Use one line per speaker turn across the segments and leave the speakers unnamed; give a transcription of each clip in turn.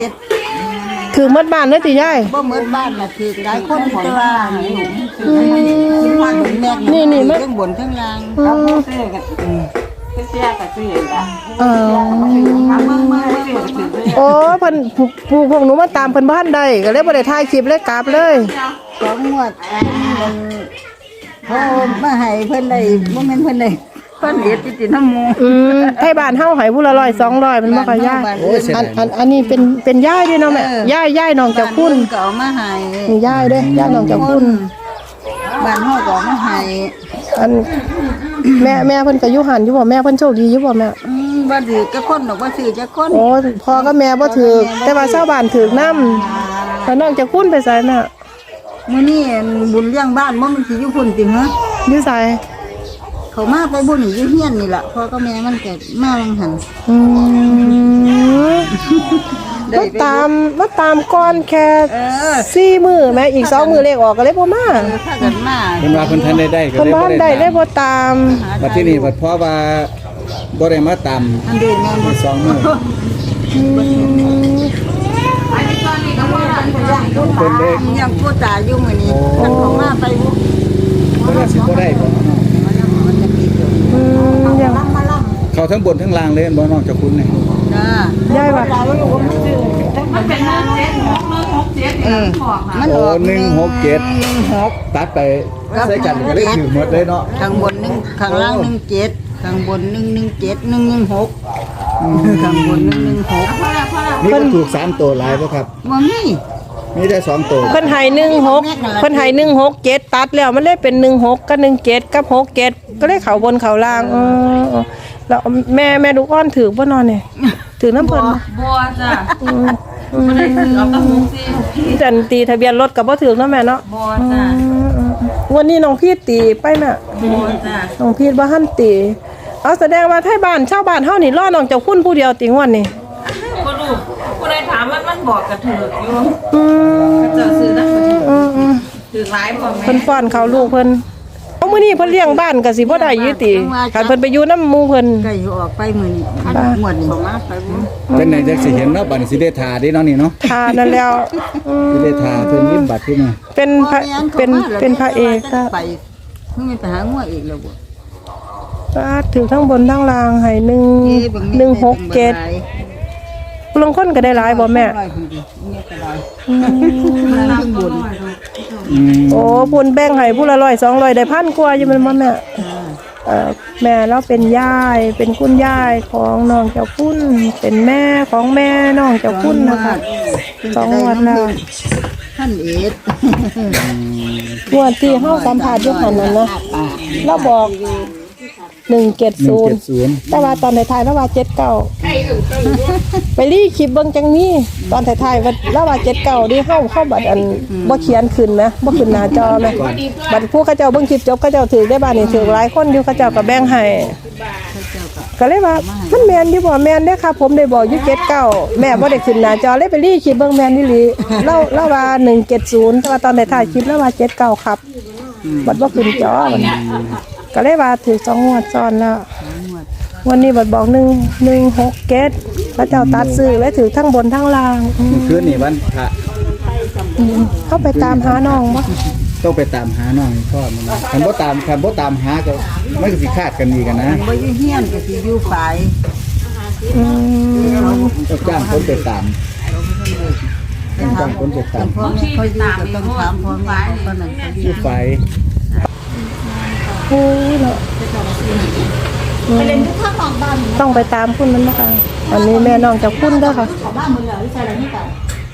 ถือมัดบ้านเลยติยาย
บ่เหมือนบ้านน่ะถือหลายคนแต่ว่านี่ทั้งบนทั้งล่างครับซื้อกันเสียก็ซื้อละ
โอ้เพิ่นพวกหนูมาตามเพิ่นบ้านได้ก็เลยบ่ได้ถ่ายคลิปเลยกลับเลย
2 งวดพอมาให้เพิ่นได้บ่แม่นเพิ่นได้เพิ่นเฮ็ดติน้ำหมู่
ไทบ้านเฮาให้ผู้ละ100 200มันบ่ค่อยยากอันนี้เป็นย่ายด้วยเนาะแม่ย่ายน้องเจ้าคุณ
ก็เอามาให้
นี่ย่ายเด้ย่ายน้องเจ้าคุณ
บ้านเฮาก็มาให้
อันแม่เพิ่นก็อยู่หันอยู่บ่แม่เพิ่นโชคดีอยู่บ่แม่
บ่ถือจักคนดอกบ่ซื้อจักคน
โอ้พ่อกับแม่บ่ถือแต่ว่าชาวบ้านถือนำแล้วน้องเจ้าคุณไปไสแม่
มื้อนี้บุญเลี้ยงบ้านบ่มันสิอยู่พุ่นติฮะ
อยู่ไส
เขามาไปบุญอยู่เฮียนนี่ล่ะพ่อกับแม่มันก็มาลังหัน
มาตามก่อนแค่4มื้อแม่อีก2มื้อเลขออกก็เลยบ่มา
ถ้าเกิดมา
เพิ่นว่าเพิ่นทันได้ก็
เลยบ่ได้บ่ตาม
บัดที่นี่บัดเพราะว่าบ่ได้มาตาม
อันเดียวแม่น
2มื้อเพิ่นเด้
ยังผู้ตายอยู่มื้อนี้มันเข้ามาไปบ่
เพิ่นว่าสิบ่ได้บ่เขาทั้งบนทั้งล่างเลยบ่น้องเจ้าคุณนี่
จ้า
ย้ายว่า
มันเป็น167
มันออก
167ตัดไปใส่กันก็ได้ถือหมดเลยเนาะ
ข้างบน1ข้างล่าง17ข้างบน117 116ข้างบน116
นี่ก็ถูก3ตัวหลายบ่ครับ
บ่
มีได้2ตัว
เพิ่นให้16เพิ่นให้167ตัดแล้วมันเลยเป็น16กับ17กับ67ก็เลยเข้าบนเข้าล่างแล้วแม่ลูกอ่อนถือบ่นอนนี่ถือน้ำเพิ่น
บ่จ้ะบ่ได้ถือเอาตั้ง64
จันตีทะเบียนรถก็บ่ถือเนาะแม่เนาะ
บ่จ้ะ
วันนี้น้องพี่ตีไปแม่
บ่จ้ะ
น้องพี่บ่ทันตีเอาแสดงว่าไทบ้านชาวบ้านเฮานี่รอน้องเจ้าคุณผู้เดียวติงวันนี้
บ่รู้ผู้ใดถามมันบอกก็ถูกอยู่เจ้าซื้อนะถือหลายบ่แม่
เพิ่นฟ้อนเขาลูกเพิ่นเอามื้อนี้เพิ่นเลี้ยงบ้านก็สิบ่ได้อยู่ติคันเพิ่นไปอยู่นำหมู่เพิ่น
ก็อยู่ออกไปมื้อนี้หมดนี่มาไปบ่
เป็นไหนจักสิเห็นเนาะบัดนี้สิได้ทาเด้เนาะนี่เนาะ
ทานั่นแล้ว
สิได้ทาเพิ่นยิ้มบัดที่นี่
เป็นพระเอกก็
ไปเพิ่งไปหางัวอีกแล้วบ่
ถือทั้งบนทั้งล่างให้167ลงคนก็ได้หลายบ่แม่โอ้บุญแบ่งให้ผู้ละ100 200ได้1,000กว่าอยู่แม่นบ่แม่แม่เราเป็นยายเป็นคุณยายของน้องเจ้าคุณเป็นแม่ของแม่น้องเจ้าคุณนะคะ2วันแล้ว
ท่านเอ็ด
งวดที่เฮาสัมภาษณ์อยู่หั่นนั่นนะเราบอก170แต่ว่าตอนท้ายๆแล้วว่า79ไปรีคลิปเบิ่งจังนี้ตอนท้ายๆว่าแล้วว่า79ดิเฮาบัดอันบ่เขียนขึ้นนะบ่ขึ้นหน้าจอแม่บัดผู้เขาเจ้าเบิ่งคลิปจบเขาเจ้าถือได้บ้านนี่ถือหลายคนอยู่เขาเจ้าก็แบ่งให้ก็เลยว่ามันแม่นอยู่บ่แม่นเด้อครับผมได้บอกอยู่79แม่บ่ได้ขึ้นหน้าจอเลยไปรีคลิปเบิ่งแม่นอีหลีแล้วว่า170แต่ว่าตอนท้ายๆคลิปแล้วว่า79ครับบัดบ่ขึ้นจอก็เลยว่าถือ2 งวดซ้อนแล้ววันนี้บัดบอก167พระเจ้าตัดซื้อและถือทั้งบนทั้งล่าง
คืนนี้วันพระ
เข้าไปตามหาน้องบ่
ต้องไปตามหาน้องพ่อมันคันบ่ตามหาก็มันก็สิคาดกันอีกนะ
บ่อยู่เฮียนก็สิอยู่ฝ่าย
ต้องจ้างคนไปตามจ้างคนไปตาม
พ่อแม่เขาอยู่ก็ต้องถามพ่อแม่เขานั่น
อยู่ฝ่าย
โอ้ยเนาะไปเล่นทุกข้างของบ้านต้องไปตามคุณมันนะคะอันนี้แม่น้องจะคุณเด้อค่ะบ้านมึงเหรอใช่อะไรนี่กัน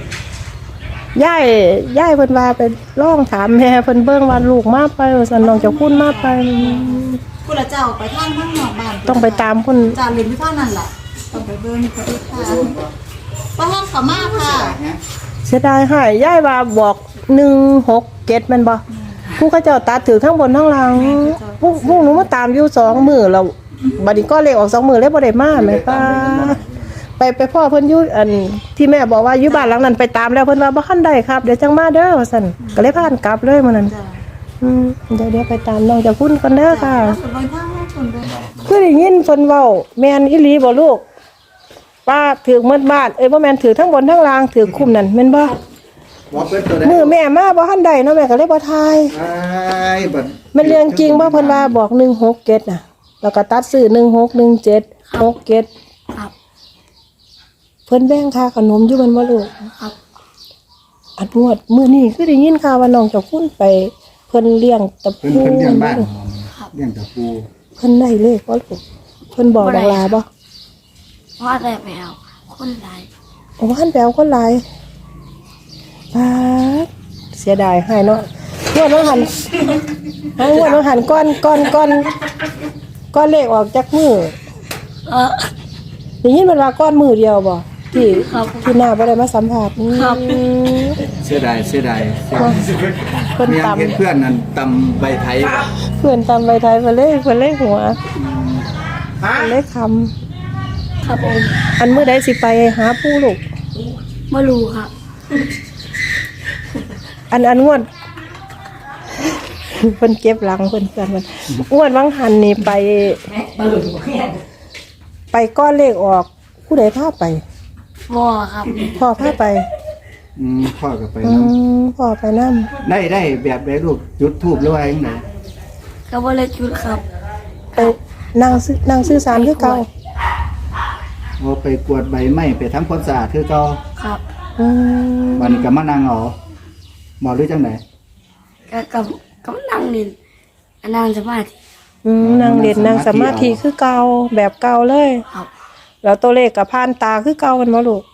ย่ายเพิ่นว่าไปร้องถามแม่เพิ่นเบิ่งว่าลูกมาไปว่าซั่นน้องจะคุณมาไป
ผู้ละเจ้าไปทางนอกบ้าน
ต้องไปตามคุณ
จ้าเล่นอยู่ท่านั่นแหละต้องไปเบิ่งไปค่ะบ่ทางเขามาค่ะ
เสียดายหายย่ายว่าบอก167แม่นบ่ผู้เขาเจ้าตัดถือทั้งบนทั้งล่างพวกหนูมาตามอยู่2 มื้อแล้วบัดนี้ก็เลขออก2 มื้อแล้วบ่ได้มาแม่ป้าไปพ่อเพิ่นอยู่อันที่แม่บอกว่าอยู่บ้านหลังนั้นไปตามแล้วเพิ่นว่าบ่ทันได้ครับเดี๋ยวจังมาเด้อว่าซั่นก็เลยพากันกลับเลยมื้อนั้นเดี๋ยวไปตามน้องจะคุณกันเด้อค่ะคือได้ยินเพิ่นเว้าแม่นอีหลีบ่ลูกป้าถือเมื่อบ้านบ่แม่นถือทั้งบนทั้งล่างถือคุมนั่นแม่นบ่
บ่เพิ่นตัวใด
มือแม่มาบ่ทันได้เนาะแม่ก็เลยบ่ทาย
ไอ้บัด
มันเรื่องจริงบ่เพิ่นว่าบอก167น่ะแล้วก็ตัดซื้อ1617 67
ครับ
เพิ่นแบ่งค่าขนมอยู่มันบ่ลูก
ครับ
อันงวดมื้อนี้คือได้ยินข่าวว่าน้องเจ้าคุณไปเพิ่นเลี้ยงตะ
เพิ่น
ปู
เลี้ยงบ้านเลี้ยงตะปู
เพิ่นได้เลขบ่ลูกเพิ่นบอกดังลาบ่
เพราะแต่ไปเอาคนหลาย
โอ้หันไปเอาคนหลายป๊าดเสียดายให้เนาะงวดน้องหันงวดน้องหันก้อนเลขออกจากมือ ได้ยินมันว่าก้อนมือเดียวบ่ที่หน้าบ่ได้มาสัมภาษณ์
เสียดาย
เพิ่น
เมีย
ตำ
เห็นเพื่อนนั่นตำใบไทย
เพื่อนตำใบไทยเพิ่นเลยหัวเพิ่นเลยค
ครับผม
ำอันมื้อใดสิไปหาปู่ลูก
ไม่รู้ครับ
อันงวดเพิ่นเก็บหลังเพิ่นเพื่อนมันงวดวังหันนี่ไปก้อนเลขออกผู้ใดพาไป
บ่ครับ
พ่อพาไป
พ่อก็ไปนำ
พ่อไปนำ
ได้แบบใดลูกจุดธูปหรือว่าจังได๋
ก็บ่เลยจุดครับ
ไปนั่งซื้อสารคือเก่า
บ่ไปกวดใบไม้ไปทำความสะอาดคือเก่า
ครับ
บัดนี้ก็มานั่งเอาบ่หรือจังได๋
ก็กับนั่งเล่นนั่งสมาธิ
นั่งเล่นนั่งสมาธิคือเก่าแบบเก่าเลย
ครับ
แล้วตัวเลขกับผ่านตาคือเก่ากันบ่ลูก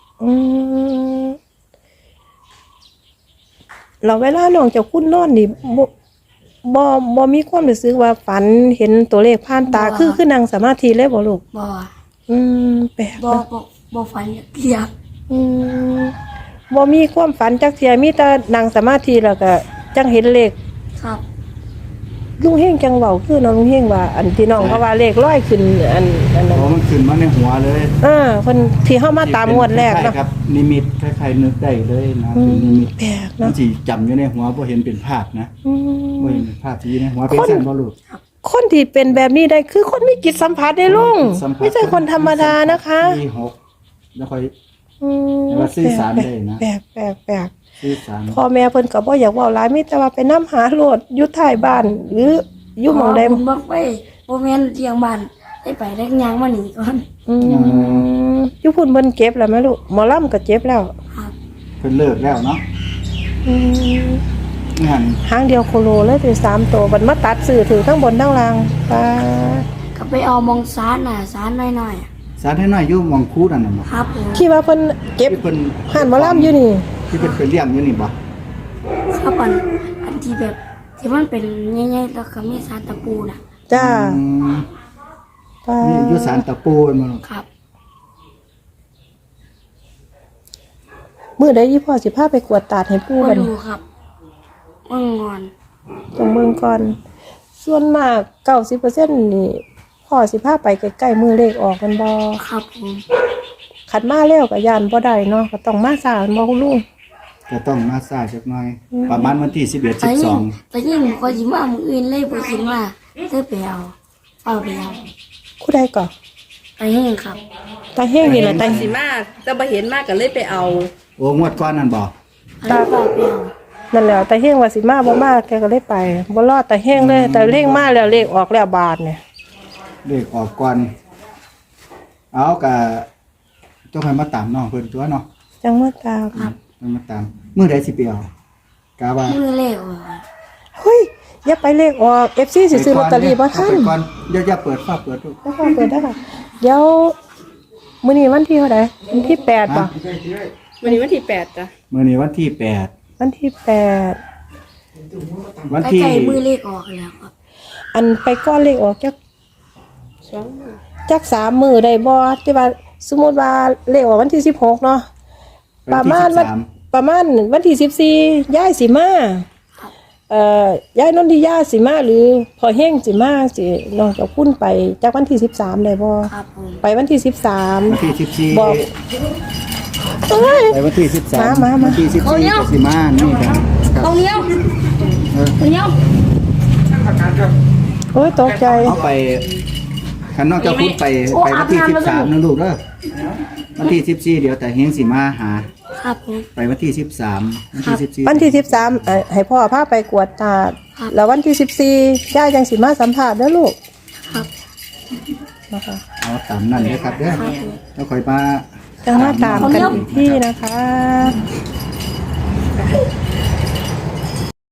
เราเวลาน้องเจ้าคุณนอนนี่บ่มีความรู้สึกว่าฝันเห็นตัวเลขผ่านตาคือนั่งสมาธิเลยบ่ลูก
บ่
แปลก
บ่
นะ
บ่ฝันเรียก
บ่มีความฝันจักเที่ยมีแต่นั่งสมาธิแล้วก็จังเห็นเลข
ครับ
ลุงเฮงจังเว้าคือน้องลุงเฮงว่าอันที่น้องเขาว่าเลขร้อยขึ้นอันนั้น
มันขึ้นมาในหัวเลย
เพิ่นที่เฮามาตามงวดแรก
คล้า
เนาะ
ยๆครับนิมิตคล้ายๆนึกได้เลยนะเป็นนิมิต
แปลก
มั
เนาะ
นสิจำอยู่ในหัวบ่เห็นเป็นภาพนะบ่เห็นเป็นภาพที่อยู่ในหัวเป็นซั่นบ่ลูก
คนที่เป็นแบบนี้ได้คือคนมีจิตสัมผัสได้ลุง
สัผัส
ไม่ใช่คนธรรมดานะคะ
ที่6แล้วค่อย ว่าสื่อสารได้นะ
แปลก
สื่อสาร
พ่อแม่เพิ่นก็บ่อยากเว้าหลายมีแต่ว่าไปนํหาโลดอยู่ท้ายบ้าน หรืออยู่หม่องใด
ผมบ่ไปบ่แม่นเลี้ยงบ้านได้ไปได้ยางมาหนีก่อน
อยู่พุ่นเพิ่นเก็บแล้วแม่ลูกหมอลำก็เจ็บแล้ว
ครับ
เพิ่นเลิกแล้วเนาะงั้น
หางเดียวโคโลเลยถึง3ตัวบัดมาตัดซื้อถือทั้งบนทั้งล่างป้า
ก็ไปเอามองซานน่ะซานน้อยๆอะ
สารให้น้อยอยู่หมองคูนั่นน่ะบ่
ครับผม
คิดว่าเพิ่นเก็บ
ที่เพิ่น
หันหมอลำอยู่นี่
ที่เพิ่นไปเลี้ยงอยู่นี่บ่
ครับอันที่แบบที่มันเป็นใหญ่ๆแล้วก็มีซานตะปูน่ะ
จ้า
อืม
ป้า
นี่อยู่สารตะปูมันบ่ลูก
ครับ
มื้อใดยี่พ่อสิพาไปกวดตาดให้ปู่
มา
บัด
ดู
นี้
ครับว่างอน
ต้องเบิ่งก่อนส่วนมาก90%นี่พ่อสิพาไปใกล้ๆมือเลขออกกันบ่
ครับผม
ขัดมาแล้วก็ย่านบ่ได้เนาะก็ต้องมาสานบ่คุณลุง
ก็ต้องมาซ่าจักหน่อย ประมาณวันที่11
แต่ยิ่ง
12
แต่ยิ่งก็ยิ้มว่ามืออื่นเลยบ่คิดว่าได้ไปเอาไปเอา
ผู้ใดก่อ
ไปเฮงครับ
ตาเฮงนี่แหละตา
สิมาแต่บ่เห็นมากก็เลยไปเอา
โอ้งวดก่อนนั่นบ่
ไปเอาไปเอา
นั่นแหละตาเฮงว่าสิมาบ่มาแกก็เลยไปบ่รอดตาเฮงเลยแต่เลขมาแล้วเลขออกแล้วบาทเนี่ย
เลขออกก่อนเอาก็ต้องให้มาตามน้องเพิ่นตัวเนาะ
จังว่าตาม
ต้องมาตามมื้อใดสิไปเอากะว่า
มือเล็ก
เฮ้ยอย่าไปเลขออก FC สิซื้อลอตเตอรี่บ่ทัน
เอาไปก่อนอย่าเปิดฟ้าเปิดลูก
แล้วก็เปิดได้ค่ะเดี๋ยวมื้อนี้วันที่เท่าใดวันที่8ป่ะ
วันนี้วันที่8จ้ะ
มื้อนี้วันที่
วันที่8
8วันที่
ใกล้ๆมือเล็กออกแล้วครับ
อันไปก้อนเลขออกจัก3มื้อได้บ่ที่ว่าสมมุติว่าเลขออกวันที่16เนาะ ประมาณวันที่14ย้ายสิมาย้ายนนทิยาสิมาหรือพอเฮงสิมาสิน้องเจ้าคุณไปจากวันที่13ได้บ่
ครับผม
ไปวันที่
วันที่
13
14
บอกเอ้ย
ไปวันที่13
มา
วันที่14ก็สิมานี่กัน
ตรงเนี้ยตรงเนี้ย
โอ้ยตกใจ
เอาไปคันน้องเจ้าพูดไปวันที่13นะลูกเด้อวันที่14เดี๋ยวแต่เฮงสิมาหา
ครับผม
ไปวันที่13วันที่14
วันที่13ให้พ่อพาไปกวดตา
ครับ
แล้ววันที่14ย่าจังสิมาสัมภาษณ์เด้อลูก
ครับ
นะคะ
เอาตามนั้นเลยครับเด้อแล้วค่อยมา
จังมาตามกันอีกที่นะคะ